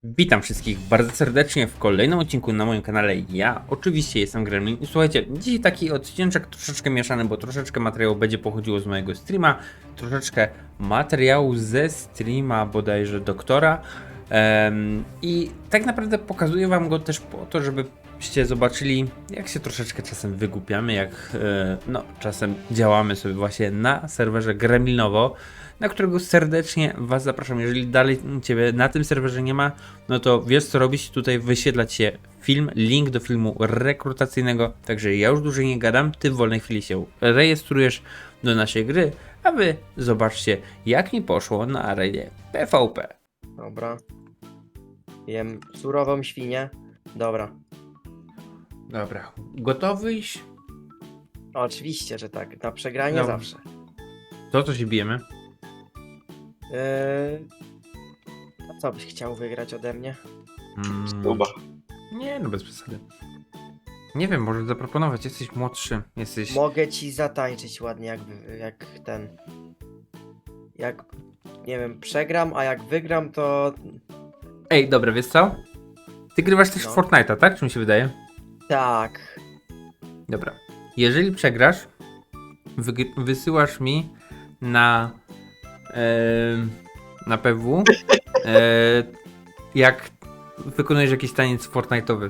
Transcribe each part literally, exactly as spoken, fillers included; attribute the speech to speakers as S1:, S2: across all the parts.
S1: Witam wszystkich bardzo serdecznie w kolejnym odcinku na moim kanale. Ja oczywiście jestem Gremlin i słuchajcie, dzisiaj taki odcinek troszeczkę mieszany, bo troszeczkę materiału będzie pochodziło z mojego streama, troszeczkę materiału ze streama bodajże doktora um, i tak naprawdę pokazuję wam go też po to, żebyście zobaczyli, jak się troszeczkę czasem wygłupiamy, jak e, no czasem działamy sobie właśnie na serwerze Gremlinowo, na którego serdecznie was zapraszam. Jeżeli dalej ciebie na tym serwerze nie ma, no to wiesz co robić, tutaj wyświetlać się film, link do filmu rekrutacyjnego, także ja już dłużej nie gadam, ty w wolnej chwili się rejestrujesz do naszej gry, a wy zobaczcie, jak mi poszło na arenie P V P.
S2: Dobra. Jem surową świnię. Dobra.
S1: Dobra, gotowyś?
S2: Oczywiście, że tak. Na przegranie
S1: No.
S2: zawsze.
S1: To co się bijemy?
S2: Yy... A co byś chciał wygrać ode mnie?
S1: Mm,
S3: Chyba.
S1: nie, no bez przesady. Nie wiem, może zaproponować, jesteś młodszy, jesteś...
S2: Mogę ci zatańczyć ładnie, jak, wy- jak ten. Jak, nie wiem, przegram, a jak wygram, to.
S1: Ej, dobra, wiesz co? Ty grywasz też
S2: No.
S1: w Fortnite'a, tak? Czy mi się wydaje?
S2: Tak.
S1: Dobra. Jeżeli przegrasz, wygr- wysyłasz mi na e, na P W e, jak wykonujesz jakiś taniec Fortnite'owy.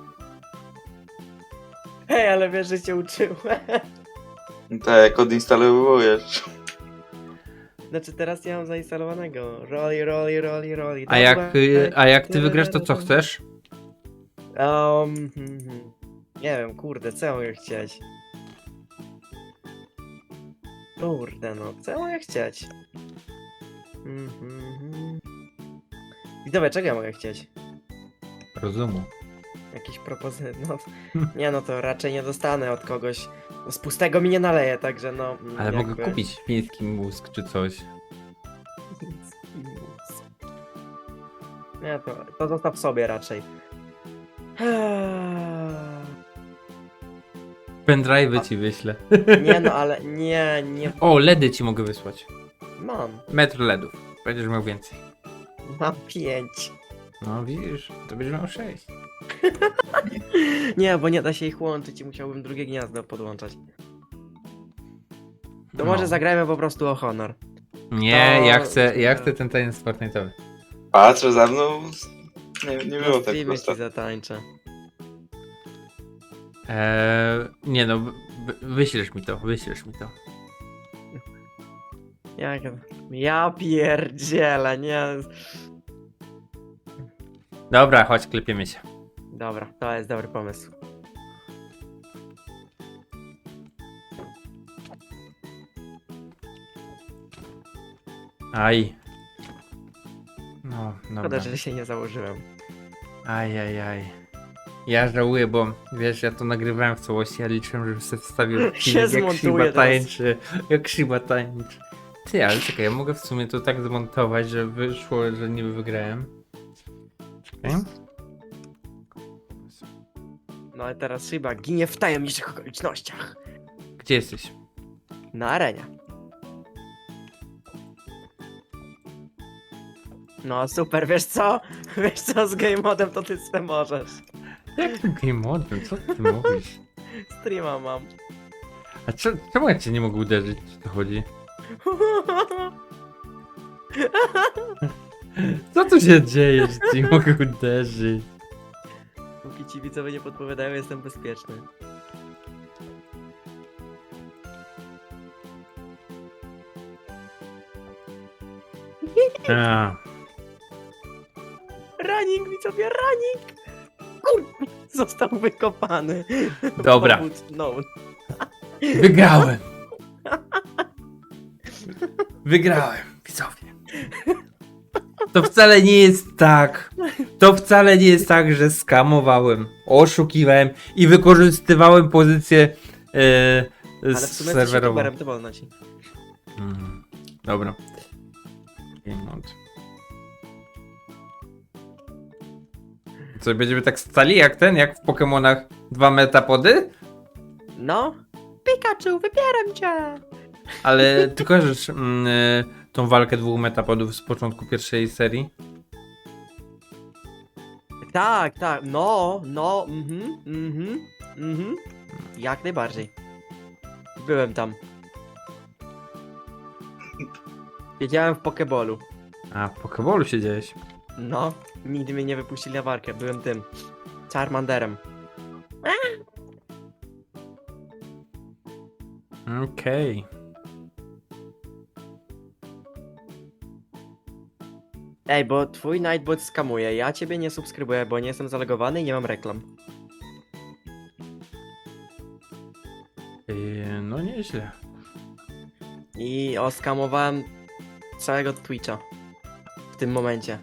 S2: Hej, ale wiesz, że cię uczyłem.
S3: Tak, odinstalowujesz.
S2: Znaczy, teraz nie mam zainstalowanego. Roli, roli, roli, roli.
S1: A jak, y, a jak ty wygrasz, to co chcesz?
S2: Um, hmm, hmm. Nie wiem, kurde, co ja mogę chcieć? Kurde, no, co ja mogę chcieć? Mhm. I dobra, czego ja mogę chcieć?
S1: Rozumu.
S2: Jakieś propozycje? No, nie, no to raczej nie dostanę od kogoś. No, z pustego mi nie naleje, także no. mm,
S1: Ale
S2: jakby...
S1: mogę kupić chiński mózg czy coś.
S2: Nie, to, to zostaw sobie raczej.
S1: Pendrive'y ci wyślę.
S2: Nie no, ale nie, nie
S1: O, LEDy ci mogę wysłać.
S2: mam.
S1: Metr LEDów. Będziesz miał więcej.
S2: Mam pięć.
S1: No widzisz, to będziesz miał sześć.
S2: Nie, bo nie da się ich łączyć i musiałbym drugie gniazdo podłączać. To
S1: No.
S2: może zagrajmy po prostu o honor.
S1: Nie,
S2: To-
S1: ja chcę, ja chcę ten taniec Fortnite'owy.
S3: Patrzę za mną. Nie, nie było
S2: Na
S3: tak
S2: streamie
S3: prosto.
S2: ci zatańczę.
S1: Eee, nie no, wy- wyślesz mi to, wyślesz mi to.
S2: Jak... Ja pierdzielę, nie.
S1: Dobra, chodź, klepiemy się.
S2: Dobra, to jest dobry pomysł.
S1: Aj. No,
S2: Szkoda,
S1: dobra.
S2: że się nie założyłem.
S1: Aj, aj, aj. Ja żałuję, bo wiesz, ja to nagrywałem w całości, ja liczyłem, żebym sobie wstawił
S2: Się
S1: film, jak
S2: zmontuje
S1: Shiba
S2: teraz.
S1: tańczy, jak Shiba tańczy. Ty, ale czekaj, ja mogę w sumie to tak zmontować, że wyszło, że niby wygrałem. Czekaj.
S2: No i teraz Shiba ginie w tajemniczych okolicznościach.
S1: Gdzie jesteś?
S2: Na arenie. No super, wiesz co? Wiesz co, z game modem to ty sobie możesz.
S1: Jakim game modem? Co ty mówisz?
S2: Streama mam.
S1: A cze- czemu ja cię nie mogę uderzyć? Co to chodzi? Co tu się dzieje, że cię nie mogę uderzyć?
S2: Póki ci widzowie nie podpowiadają, jestem bezpieczny.
S1: A,
S2: Running, widzowie, running! Kur... Został wykopany.
S1: Dobra.
S2: Powód, no.
S1: wygrałem! Wygrałem, widzowie. To wcale nie jest tak. To wcale nie jest tak, że skamowałem, oszukiwałem i wykorzystywałem pozycję e,
S2: Ale w sumie jesteś
S1: serwerową.
S2: youtuberem, to wolno ci.
S1: Mm, dobra. Game mode. Co, będziemy tak stali jak ten, jak w Pokemonach dwa metapody?
S2: No. Pikachu, wybieram cię!
S1: Ale ty kojarzysz mm, y, tą walkę dwóch metapodów z początku pierwszej serii?
S2: Tak, tak, no, no, mhm, mhm, mhm. Jak najbardziej. Byłem tam. Siedziałem w Pokebolu.
S1: A, w Pokeballu siedziałeś.
S2: No, nigdy mnie nie wypuścili na walkę, byłem tym. Charmanderem.
S1: Okej.
S2: Ej, bo twój Nightbot skamuje, ja ciebie nie subskrybuję, bo nie jestem zalogowany i nie mam reklam.
S1: Yy, no nieźle.
S2: I oskamowałem całego Twitcha. W tym momencie.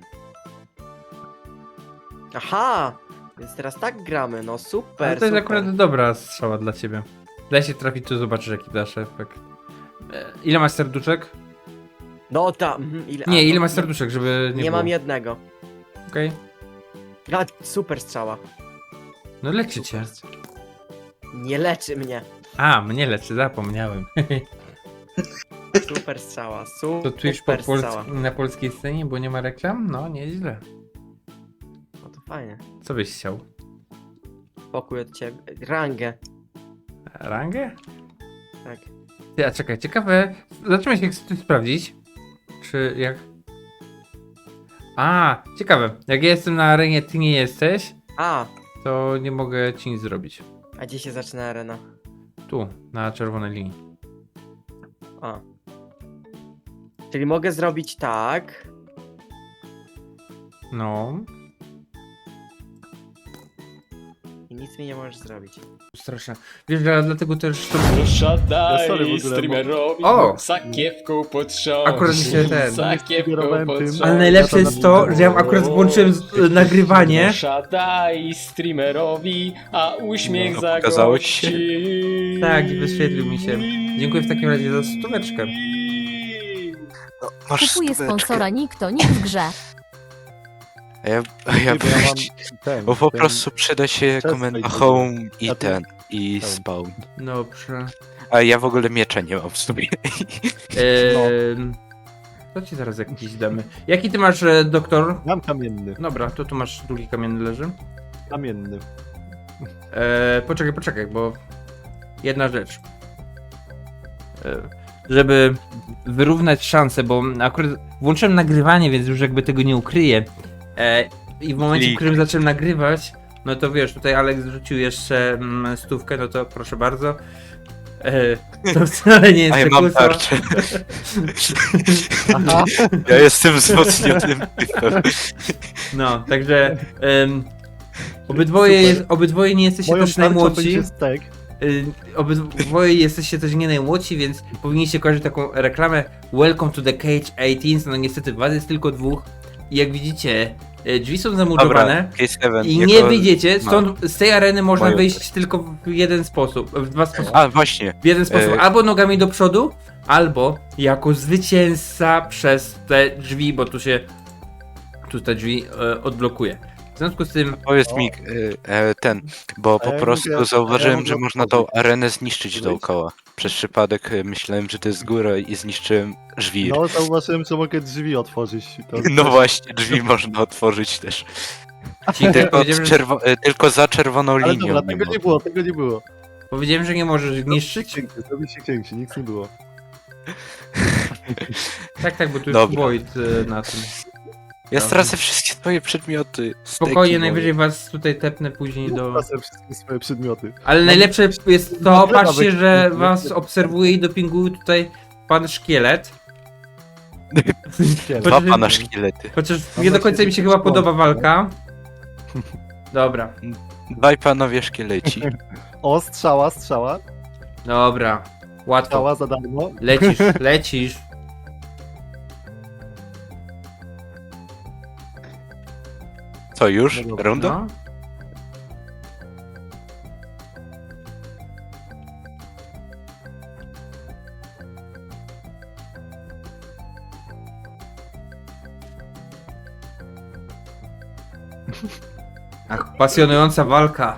S2: Aha! Więc teraz tak gramy, no super,
S1: Ale to jest
S2: super.
S1: akurat dobra strzała dla ciebie. Daj się trafić, to zobaczysz jaki dasz efekt. E, Ile masz serduszek?
S2: No tam, mhm, ile...
S1: Nie,
S2: a,
S1: ile
S2: no,
S1: masz serduszek, żeby nie
S2: Nie
S1: było.
S2: mam jednego.
S1: Okej.
S2: A, super strzała.
S1: No leczy cię.
S2: Nie leczy mnie.
S1: A, mnie leczy, zapomniałem.
S2: Super strzała, super
S1: To Twitch po
S2: strzała.
S1: Pols- na polskiej scenie, bo nie ma reklam? No, nieźle.
S2: No to fajnie.
S1: Co byś chciał?
S2: Pokój od ciebie. Rangę.
S1: Rangę?
S2: Tak.
S1: Ty, a czekaj, ciekawe. Zaczynamy się chcesz sprawdzić. Czy jak. A, ciekawe. Jak ja jestem na arenie, ty nie jesteś,
S2: A,
S1: to nie mogę ci nic zrobić.
S2: a gdzie się zaczyna arena?
S1: Tu, na czerwonej linii.
S2: A. Czyli mogę zrobić tak.
S1: No.
S2: I nic mi nie możesz zrobić.
S1: Straszne. Wiesz, że dlatego też to.
S4: Proszę
S5: Ja sorry, w
S4: daj
S5: ogóle,
S4: streamerowi
S1: O!
S4: sakiewką potrząść.
S1: Akurat mi się ten-
S4: Sakiewką
S5: Sugerowałem tym.
S4: potrząść.
S1: Ale najlepsze jest to, że ja akurat włączyłem z, e, nagrywanie.
S4: Proszę daj streamerowi, a uśmiech
S3: No,
S4: za
S3: pokazało ci się?
S1: Tak, wyświetlił mi się. Dziękuję w takim razie za stóweczkę.
S3: No, masz
S6: Kupuje
S3: stóweczkę.
S6: sponsora Nikto, nikt w grze.
S3: A ja, a ja
S5: Bo ja mam ten,
S3: Bo po
S5: ten-
S3: prostu przyda się
S5: Przestań
S3: komenda
S5: tego.
S3: home i
S5: A ty-
S3: ten, i
S5: Home.
S3: spawn.
S1: Dobrze.
S3: A ja w ogóle miecza nie mam w sobie.
S1: Eee, to ci zaraz jakiś damy. Jaki ty masz e, doktor?
S5: Mam kamienny,
S1: Dobra, to tu masz drugi kamienny leży.
S5: kamienny.
S1: Eee, poczekaj, poczekaj, bo jedna rzecz. Eee, żeby wyrównać szanse, bo akurat włączyłem nagrywanie, więc już jakby tego nie ukryję. Eee, I w momencie, w którym zacząłem nagrywać, no to wiesz, tutaj Alex rzucił jeszcze mm, stówkę, no to proszę bardzo. Eee, to wcale nie jest
S3: A ja mam
S1: przekłusa.
S3: tarczę.
S5: Aha,
S3: Ja jestem wzmocnionym typem.
S1: No, także em, obydwoje,
S5: Super.
S1: jest, obydwoje nie jesteście
S5: moją
S1: też
S5: tarczą
S1: najmłodsi.
S5: będzie stek.
S1: Y, obydwoje jesteście też nie najmłodsi, więc powinniście kojarzyć taką reklamę Welcome to the Cage osiemnaście. No niestety was jest tylko dwóch. I jak widzicie, y, drzwi są
S3: Dobra,
S1: zamurowane
S3: Case Event.
S1: i
S3: jako-
S1: nie wyjdziecie. Stąd z tej areny można
S3: Moją
S1: wyjść tylko w jeden sposób. W dwa sposoby.
S3: A, właśnie.
S1: W jeden sposób.
S3: e-
S1: Albo nogami do przodu, albo jako zwycięzca przez te drzwi, bo tu się tu te drzwi e, odblokuje. W związku z tym
S3: Powiedz
S5: O.
S3: mi, e, e, ten, bo
S5: A
S3: po
S5: ja
S3: prostu
S5: mogę-
S3: zauważyłem,
S5: a ja
S3: że
S5: mogę
S3: można tą
S5: otworzyć.
S3: arenę zniszczyć
S5: Wyjść?
S3: dookoła. Przez przypadek e, myślałem, że to jest góra i zniszczyłem żwir.
S5: No, zauważyłem, że mogę drzwi otworzyć. To
S3: No właśnie, drzwi można otworzyć też.
S1: ci
S3: Tylko,
S1: powiedziałem,
S3: z
S1: że,
S3: czerwo- e, tylko za czerwoną
S5: Ale
S3: linią
S5: dobra,
S3: nie
S5: tego nie
S3: można.
S5: było, tego nie było.
S1: powiedziałem, że nie możesz niszczyć.
S5: Księgi, zrobił się księgi, nic nie było.
S1: Tak, tak, bo tu jest
S3: Dobra.
S1: Void e, na tym.
S3: Ja
S1: Dobra.
S3: stracę wszystkie twoje przedmioty.
S1: Spokojnie,
S3: steki
S1: najwyżej
S3: moje.
S1: was tutaj tepnę później do...
S5: Wracam wszystkie swoje przedmioty.
S1: Ale najlepsze jest to,
S5: Dobra,
S1: patrzcie,
S5: wy-
S1: że
S5: wy-
S1: was
S5: wy-
S1: obserwuje i dopinguje tutaj pan szkielet.
S5: Księgi.
S3: Dwa
S1: Chociaż-
S3: pana szkielety.
S1: Chociaż
S5: Mam
S1: nie do
S5: na
S1: końca mi się
S5: siebie
S1: chyba
S5: członka.
S1: podoba walka. Dobra,
S3: Dwaj panowie szkieleci.
S5: O, strzała, strzała.
S1: dobra. Łatwo.
S5: Strzała za darmo.
S1: Lecisz, lecisz.
S3: Co już?
S5: No dobra.
S3: Runda?
S1: No. Ach, pasjonująca walka.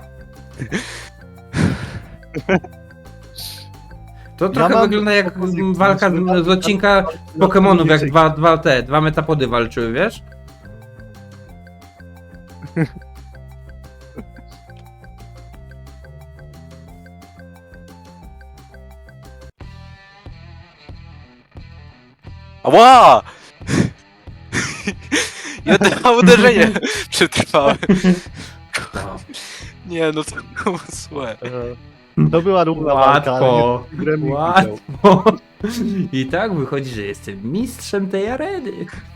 S1: To trochę
S5: mam
S1: wygląda jak
S5: propozycję,
S1: walka
S5: żeby-
S1: z odcinka Pokemonów, jak dwa, dwa te, dwa metapody walczyły, wiesz?
S3: Ała! Jedno uderzenie przetrwałem. Nie, no to było złe.
S5: E, To była równa walka, ale
S1: Łatwo,
S5: nie- Gremlin widział.
S1: łatwo. I tak wychodzi, że jestem mistrzem tej areny.